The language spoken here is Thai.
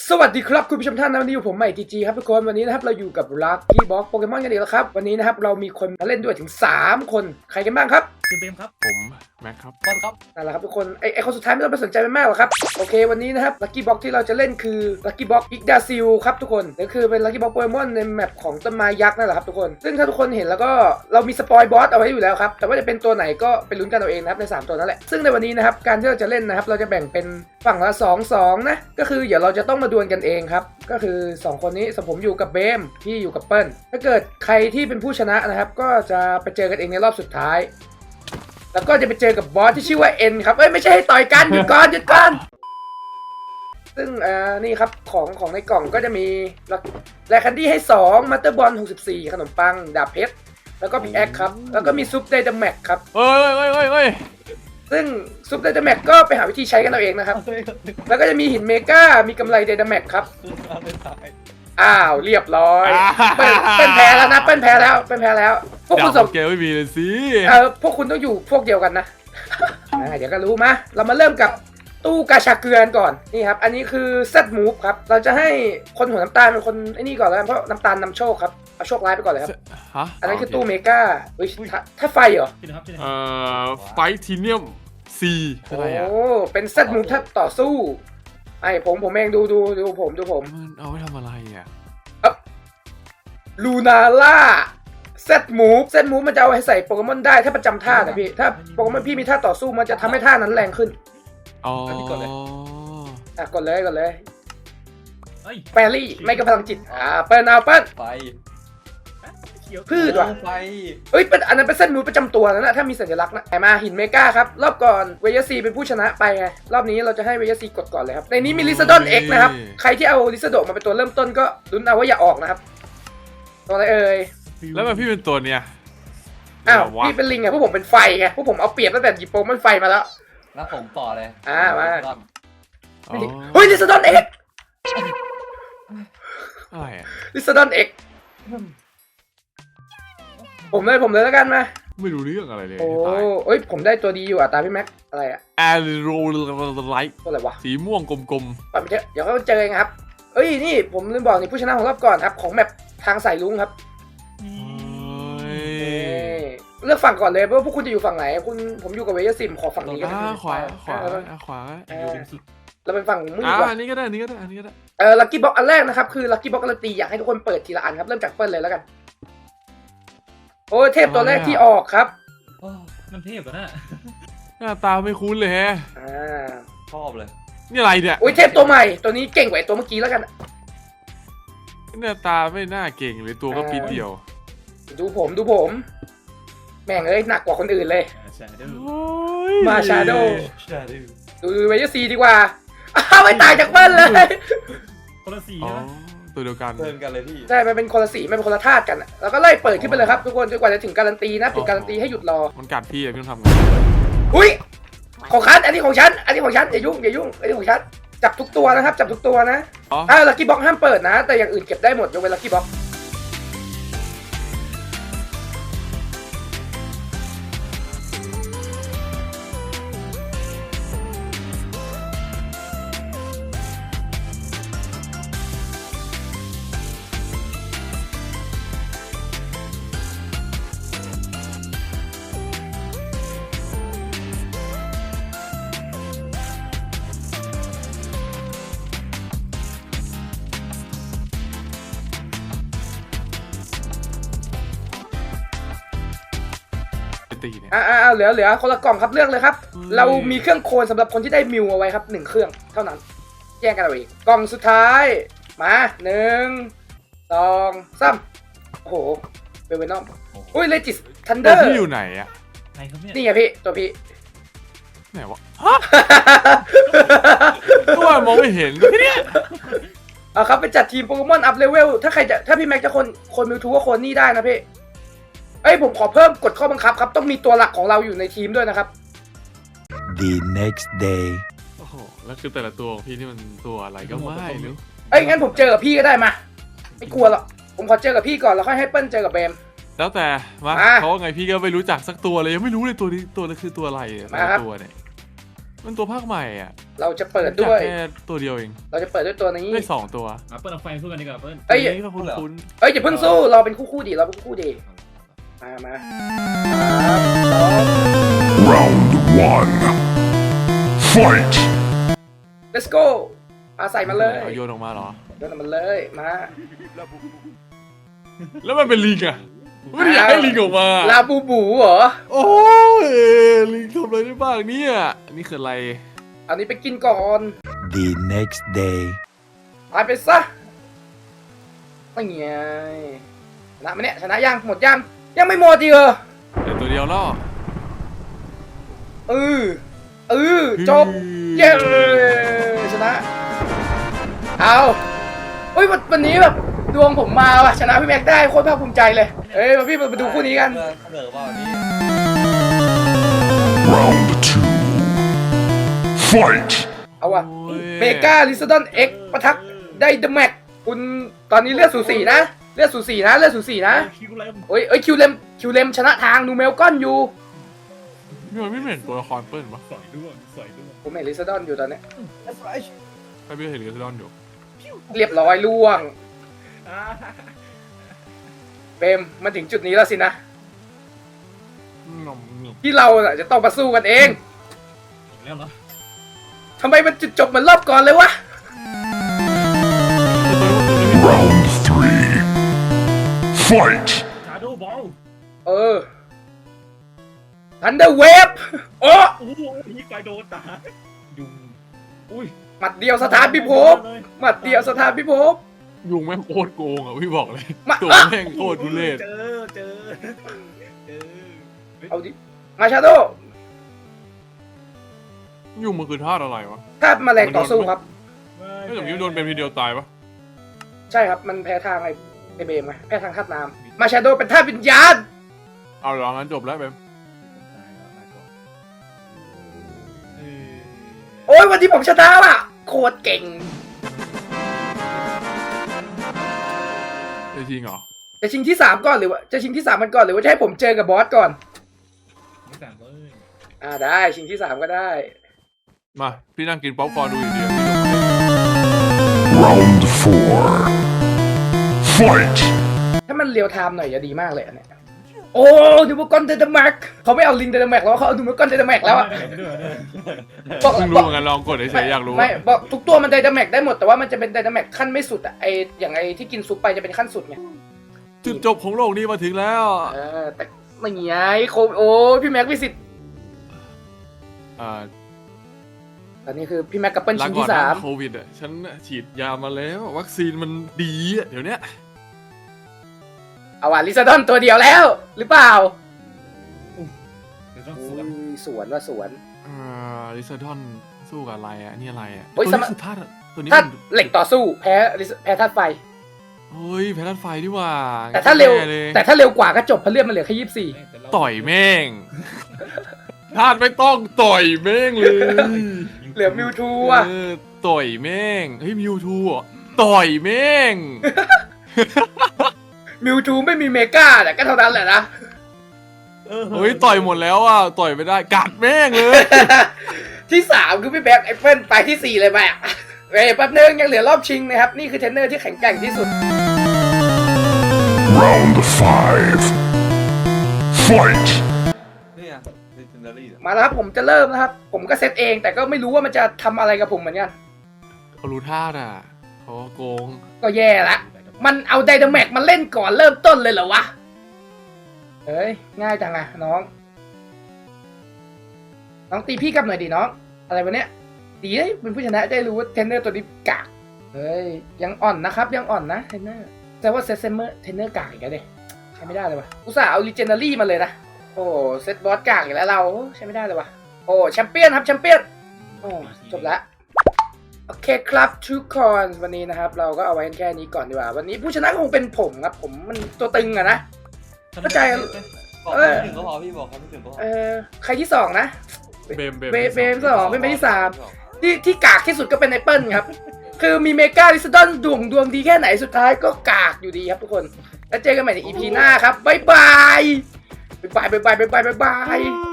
สวัสดีครับคุณผู้ชมท่านนะวันนี้อยู่ผมใหม่ทีจีครับทุกคนวันนี้นะครับเราอยู่กับลักกี้บ็อกโปเกมอนกันอีกแล้วครับวันนี้นะครับเรามีคนมาเล่นด้วยถึง3คนใครกันบ้างครับคือเบมครับผมแม็กครับต้นครับนั่นแหละครับทุกคนไอคนสุดท้ายไม่ต้องไปสนใจมันมากหรอกครับโอเควันนี้นะครับลักกี้บ็อกที่เราจะเล่นคือลักกี้บ็อกอิกดาซิลครับทุกคนก็คือเป็นลักกี้บ็อกโปเกมอนในแมปของต้นไม้ยักษ์นั่นแหละครับทุกคนซึ่งถ้าทุกคนเห็นแล้วก็เรามีสปอยบอสเอาไว้อยู่แล้วครับแต่ว่าจะเป็นตัวไหนก็ไปลุ้นกันเอาเองนะครับใน3ตัวนั่นแหละซึ่งในวันนี้นะครับการที่เราจะเล่นนะครับเราจะแบ่งเป็นฝั่งละ2-2นะก็คือเดี๋ยวเราจะต้องมาดวลกันเองครับก็คือ2คนนี้สมผมอยู่กับเบมพี่อยู่กับเปิ้ลถ้าเกิดใครที่เป็นผู้ชนะนะครับก็จะไปเจอกันเองในรอบสุดท้ายแล้วก็จะไปเจอกับบอสที่ชื่อว่าเอ็นครับไม่ใช่ให้ต่อยกันหยุดก่อนซึ่งนี่ครับของในกล่องก็จะมีแลคันดี้ให้2มัตเตอร์บอล64ขนมปังดาบเพชรแล้วก็พิกแอคครับแล้วก็มีซุปไดนาแม็กครับเอ้ยซึ่งซุปไดนาแม็กก็ไปหาวิธีใช้กันเอาเองนะครับแล้วก็จะมีหินเมกามีกำไรไดนาแม็กครับอ้าวเรียบร้อยเป็นแพ้แล้วนะเป็นแพ้แล้วพวกคุณสองเกลไม่มีเลยสิพวกคุณต้องอยู่พวกเดียวกันนะเดี๋ยวก็รู้มาเรามาเริ่มกับตู้กาชาเกลือนก่อนนี่ครับอันนี้คือเซตมูฟครับเราจะให้คนหัวน้ำตาลเป็นคนไอ้นี่ก่อนแล้วเพราะน้ำตาลนำโชคครับเอาโชคร้ายไปก่อนเลยครับอันนั้นคือตู้เมกาถ้าไฟเหรอไฟทีเนียมซีอะไรอ่ะโอ้เป็นเซตมูฟถ้าต่อสู้ไอ้ผมเองดูผมมันเอาไว้ทำอะไรอ่ะลูนาล่าเซตมูฟมันจะเอาให้ใส่โปเกมอนได้ถ้าประจำท่านะพี่ถ้าโปเกมอนพี่มีท่าต่อสู้มันจะทำให้ท่านั้นแรงขึ้นอ๋อก่อนเลยกดเลยแปรี่ไม่กับพลังจิตเปิ้ลไฟพืชว่ะไฟเป็นอันนั้นเป็นเส้นมูฟประจำตัวนะถ้ามีสัญลักษณ์นะมาหินเมกาครับรอบก่อนเวย์ซีเป็นผู้ชนะไปไงรอบนี้เราจะให้เวย์ซีกดก่อนเลยครับในนี้มีลิซาดอนเอ็กนะครับใครที่เอาลิซาโดมาเป็นตัวเริ่มต้นก็ลุ้นเอาว่าอย่าออกนะครับตัวอะไรเอ่ยแล้วมันพี่เป็นตัวเนี้ยพี่เป็นลิงไงพวกผมเป็นไฟไงพวกผมเอาเปรียบตั้งแต่หยิบโปมันไฟมาแล้วแล้วผมต่อเลยมาเฮ้ยลิซาดอนเอ็กอะไรอะลิซาดอนเอ็กผมเลยแล้วกันมาไม่รู้เรื่องอะไรเลยผมได้ตัวดีอยู่ตามพี่แม็กอะไรแอโรไลท์ตัวอะไรวะสีม่วงกลมๆไปเดี๋ยวเขาเจอเองครับนี่ผมลืมบอกนี่ผู้ชนะของรอบก่อนครับของแมปทางสายลุงครับเลือกฝั่งก่อนเลยเพราะว่าพวกคุณจะอยู่ฝั่งไหนผมอยู่กับเวย์ซิมขอฝั่งนี้ก็ได้ขวาเราเป็นฝั่งมุ่งอันนี้ก็ได้ลัคกี้บ็อกอันแรกนะครับคือลัคกี้บ็อกการันตีอยากให้ทุกคนเปิดทีละอันครับเริ่มจากเปิ้ลเลยแล้วกันเทพตัวแรกที่ออกครับมันเทพอ่ะนะหน้าตาไม่คุ้นเลยฮะชอบเลยนี่อะไรเนี่ยเทพตัวใหม่ตัวนี้เก่งกว่าตัวเมื่อกี้แล้วกันหน้าตาไม่น่าเก่งเลยตัวก็ปีเดียวดูผมแม่งหนักกว่าคนอื่นเลยมาชาโดดูเวย์ซีดีกว่าไม่ต่างจากเปิ้ลเลยคนละสีตัวเดียวกันเลยพี่ใช่มันเป็นคนละสีมันเป็นคนละธาตุกันแล้วก็ไล่เปิดขึ้นไปเลยครับทุกคนจนกว่าจะถึงการันตีนะถึงการันตีให้หยุดรอมันกัดพี่พี่ต้องทำไงของฉันอันนี้ของฉันอย่ายุ่งอันนี้ของฉันจับทุกตัวนะครับจับทุกตัวนะลัคกี้บ็อกห้ามเปิดนะแต่อย่างอื่นเก็บได้หมดยกเว้นลัคกี้บ็อกเหลือคนละกล่องครับเลือกเลยครับเรามีเครื่องโคลนสำหรับคนที่ได้มิวเอาไว้ครับ1เครื่องเท่านั้นแย่งกันเอาเองกล่องสุดท้ายมา1 2 3โอ้โหเวนอมเลจิสทันเดอร์พี่อยู่ไหนอะนี่ไงพี่ตัวพี่ไหนวะตัวมองไม่เห็นเนี่ยครับไปจัดทีมโปเกมอนอัพเลเวลถ้าพี่แม็กจะคนมิวทูก็คนนี่ได้นะพี่ผมขอเพิ่มกฎข้อบังคับครับต้องมีตัวหลักของเราอยู่ในทีมด้วยนะครับ The next day โอ้โหแล้วคือแต่ละตัวของพี่นี่มันตัวอะไรก็ไม่รู้งั้นผมเจอกับพี่ก็ได้มาไม่กลัวหรอกผมขอเจอกับพี่ก่อนแล้วค่อยให้เปิ้ลเจอกับเบมแล้วแต่มาเพราะไงพี่ก็ไม่รู้จักสักตัวเลยยังไม่รู้เลยตัวนี้ตัวนั้นคือตัวอะไรแต่ตัวเนี่ยมันตัวภาคใหม่อ่ะเราจะเปิดด้วยแค่ตัวเดียวเองเราจะเปิดด้วยตัวนี้ได้2ตัวเปิ้ลเอาไฟสู้กันดีกว่าเปิ้ลเอ้ยตัวนี้ก็คุ้นเอ้ยอย่าเพิ่งสู้เราเป็นคู่ดิเราเป็นคู่ดิมา3 Round 1. Fight! 2 let's go อาใส่มาเลยเอาโยนออกมาเหรอโยนมันเลยมาแล้วมันเป็นลิงอ่ะไม่ได้อยากให้ลิงออกมาลาบูบูเหรอโอ้ยลิงทำอะไรได้บ้างเนี่ยนี่คืออะไรอันนี้ไปกินก่อน The next day. ตายไปซะไม่ไงชนะไหมเนี่ยชนะยังหมดยังไม่หมดอีกเหรอแต่ตัวเดียวแล้วเออจบเย้ชนะเอาเฮ้ยวันนี้แบบดวงผมมาว่ะชนะพี่แม็กได้โคตรภาคภูมิใจเลยเอ้ยมาพี่มาดูคู่นี้กันเสนอว่าวันนี้ Round 2. Fight! เอาว่ะโอ้ยเมกาลิซดอนเอ็กปะทักได้เดอะแม็กคุณตอนนี้เลือดสูสีนะเลือดสูสีนะคิวเลมเอ้ยคิวเลมชนะทางนูเมลก้อนอยู่นี่มันไม่เหมือนตัวละครเปิ้ลปะสอยด้วยผมเห็นลิซดอนอยู่ตอนเนี้ยใครไม่เห็นลิซดอนอยู่เรียบร้อยล่วงเปมมาถึงจุดนี้แล้วสินะงอมที่เราน่ะจะต้องมาสู้กันเองแล้วเหรอทำไมมันจุดจบเหมือนรอบก่อนเลยวะ Round 3. Fight! ชาโดว์บอลทันเดอร์เวฟโอ้โอ้โหนี่ไฟโดนตายุงอุ้ยหมัดเดียวสถานพิภพหมัดเดียวสถานพิภพยุงแม่งโคตรโกงอ่ะพี่บอกเลยมาตัวแม่งโคตรทุเรศเจอเอาดิมาชาโดยุงมันคือธาตุอะไรวะถ้าแมลงต่อสู้ครับไม่แต่พี่โดนเป็นทีเดียวตายปะใช่ครับมันแพ้ทางไอเบมไงแพ้ทางธาตุน้ำมาชาโดเป็นธาตุวิญญาณเอาเหรองั้นจบแล้วเบมโอ้ยวันนี้ผมชนะว่ะโคตรเก่งจริงเหรอจะชิงที่3ก่อนหรือว่าจะชิงที่3มันก่อนหรือว่าจะให้ผมเจอกับบอสก่อนไม่สั่งเลยได้ชิงที่3ก็ได้มาพี่นั่งกินป๊อปคอร์นดูอย่างเดียว Round 4. Fight! ถ้ามันเรียวไทม์หน่อยจะดีมากเลยอันเนี่ยโอ้ดูมากอนเดดแม็กเขาไม่เอาลิงเดดแม็กแล้วเขาเอาดูมากอนเดดแม็กแล้วอะบอกเพิ่งรู้เหมือนกันลองกดเฉยๆอยากรู้ไม่บอกทุกตัวมันไดนาแม็กได้หมดแต่ว่ามันจะเป็นไดนาแม็กขั้นไม่สุดอะอย่างที่กินซุปไปจะเป็นขั้นสุดไงจุดจบของโลกนี้มาถึงแล้วแต่ไม่ไงโคโอ้พี่แม็กวิสิตอ่าตอนนี้คือพี่แม็กกับเปิ้ลลาชิงก่อนที่นะ 3 โควิดอ่ะฉันฉีดยามาแล้ววัคซีนมันดีอ่ะเดี๋ยวเนี้ยเอาว่ะลิซาดอนตัวเดียวแล้ว หรือเปล่าเดี๋ยวต้องโอ้สวนยสวนว่าสวนลิซาดอนสู้กับอะไรอ่ะนี่อะไรอ่ะโอ้ยตัวสมันี้ยคือธาตุตัวนี้ถ้ามันเหล็กต่อสู้แพ้ธาตุไฟเฮ้ยแพทันไฟดีว่าแต่ถ้าเร็วแน่ลยแต่ถ้าเร็วกว่าก็จบเพราะเลือดมันเหลือแค่24 ต่อยแม่งธาตุไม่ต้องต่อยแม่งเลยเหลือมิวทูอ่ะต่อยแม่งเฮ้ยมิวทูอ่ะต่อยแม่งมิวทูไม่มีเมกาแต่ก็เท่านั้นแหละนะเฮ้ยต่อยหมดแล้วอ่ะต่อยไม่ได้กัดแม่งเลยที่3คือพี่แบ็คไอเฟิลไปที่4เลยไปอ่ะเฮ้ยแป๊บนึงยังเหลือรอบชิงนะครับนี่คือเทรนเนอร์ที่แข็งแกร่งที่สุด Round 5. Fight! เนี่ยเซนเดอรี่มาแล้วครับผมจะเริ่มนะครับผมก็เซตเองแต่ก็ไม่รู้ว่ามันจะทำอะไรกับผมเหมือนกันเขารู้ธาตุอ่ะเขาโกงก็แย่ละมันเอาไดนาแม็กมาเล่นก่อนเริ่มต้นเลยเหรอวะเฮ้ยง่ายจังอะน้องตีพี่กลับหน่อยดิน้องอะไรวะเนี้ยดีเลยเป็นผู้ชนะได้รู้ว่าเทรนเนอร์ตัวนี้กากเฮ้ยยังอ่อนนะครับยังอ่อนนะเทรนเนอร์แต่ว่าเซตเซมเมอร์เทรนเนอร์กากอีกแล้วเด้ใช้ไม่ได้เลยวะอุตส่าห์เอาลีเจนดารี่มาเลยนะโอ้เซตบอสกากอีกแล้วเราใช้ไม่ได้เลยวะโอ้แชมเปี้ยนครับแชมเปี้ยนโอ้จบละโอเคครับทุกคนวันนี้นะครับเราก็เอาไว้แค่นี้ก่อนดีกว่าวันนี้ผู้ชนะคงเป็นผมครับผมมันตัวตึงอะนะ เข้าใจบอกไม่ถึงก็พอพี่บอกครับไม่ถึงก็พอใครที่2นะเบมเบม2เป็นไปที่3ที่กากที่สุดก็เป็นไอเปิลครับ คือมีเมกาลิซดอนดวงดีแค่ไหนสุดท้ายก็กากอยู่ดีครับทุกคนแล้วเจอกันใหม่ใน EP หน้าครับบ๊ายบายบ๊ายบาย